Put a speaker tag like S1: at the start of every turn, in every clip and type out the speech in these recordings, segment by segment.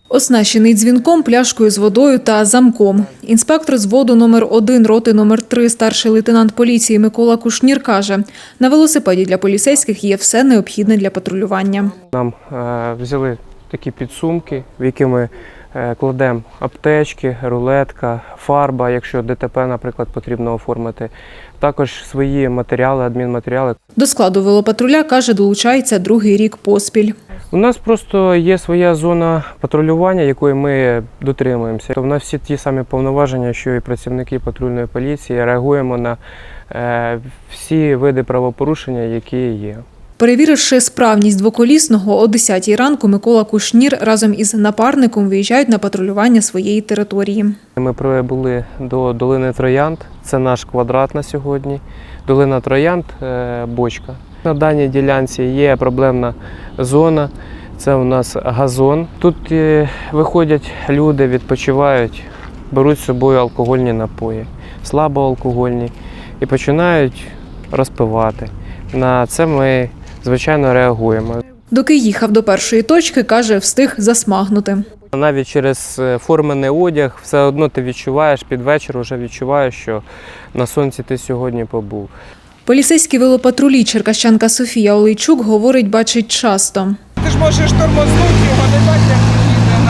S1: Оснащений дзвінком, пляшкою з водою та замком. Інспектор з взводу номер 1 роти номер 3 старший лейтенант поліції Микола Кушнір каже, на велосипеді для поліцейських є все необхідне для патрулювання.
S2: Нам взяли такі підсумки, в які ми кладемо аптечки, рулетка, фарба, якщо ДТП, наприклад, потрібно оформити. Також свої матеріали, адмінматеріали.
S1: До складу велопатруля, каже, долучається другий рік поспіль.
S2: У нас просто є своя зона патрулювання, якої ми дотримуємося. У нас всі ті самі повноваження, що і працівники патрульної поліції. Реагуємо на всі види правопорушення, які є.
S1: Перевіривши справність двоколісного, о 10-й ранку Микола Кушнір разом із напарником виїжджають на патрулювання своєї території.
S2: Ми прибули до долини Троянд, це наш квадрат на сьогодні. Долина Троянд – бочка. На даній ділянці є проблемна зона, це у нас газон. Тут виходять люди, відпочивають, беруть з собою алкогольні напої, слабоалкогольні і починають розпивати. На це ми, звичайно, реагуємо.
S1: Доки їхав до першої точки, каже, встиг засмагнути.
S2: Навіть через формений одяг все одно ти відчуваєш, під вечір вже відчуваєш, що на сонці ти сьогодні побув.
S1: Поліцейські велопатрулі черкащанка Софія Олейчук говорить, бачить часто.
S3: Ти ж можеш тормознути його, не так, як їде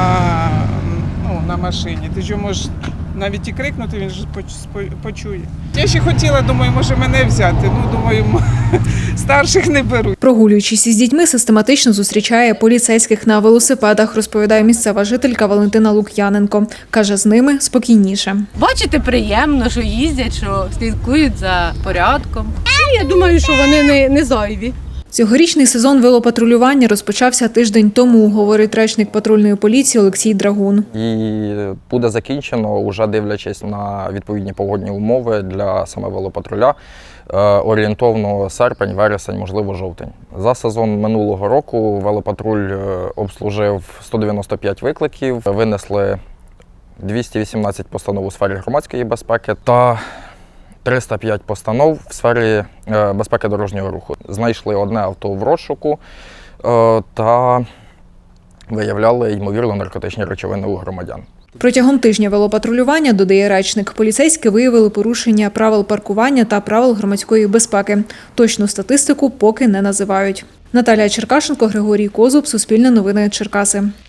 S3: на машині. Ти ж його можеш навіть і крикнути, він ж почує. Я ще хотіла, думаю, може мене взяти. Думаю, старших не беруть.
S1: Прогулюючись із дітьми, систематично зустрічає поліцейських на велосипедах, розповідає місцева жителька Валентина Лук'яненко. Каже, з ними спокійніше.
S4: Бачити приємно, що їздять, що слідкують за порядком. Я думаю, що вони не зайві.
S1: Цьогорічний сезон велопатрулювання розпочався тиждень тому, говорить речник патрульної поліції Олексій Драгун.
S5: І буде закінчено, вже дивлячись на відповідні погодні умови для саме велопатруля, орієнтовно серпень, вересень, можливо, жовтень. За сезон минулого року велопатруль обслужив 195 викликів, винесли 218 постанов у сфері громадської безпеки та 305 постанов в сфері безпеки дорожнього руху. Знайшли одне авто в розшуку та виявляли, ймовірно, наркотичні речовини у громадян.
S1: Протягом тижня велопатрулювання, додає речник, поліцейські виявили порушення правил паркування та правил громадської безпеки. Точну статистику поки не називають. Наталія Черкашенко, Григорій Козуб, Суспільне новини, Черкаси.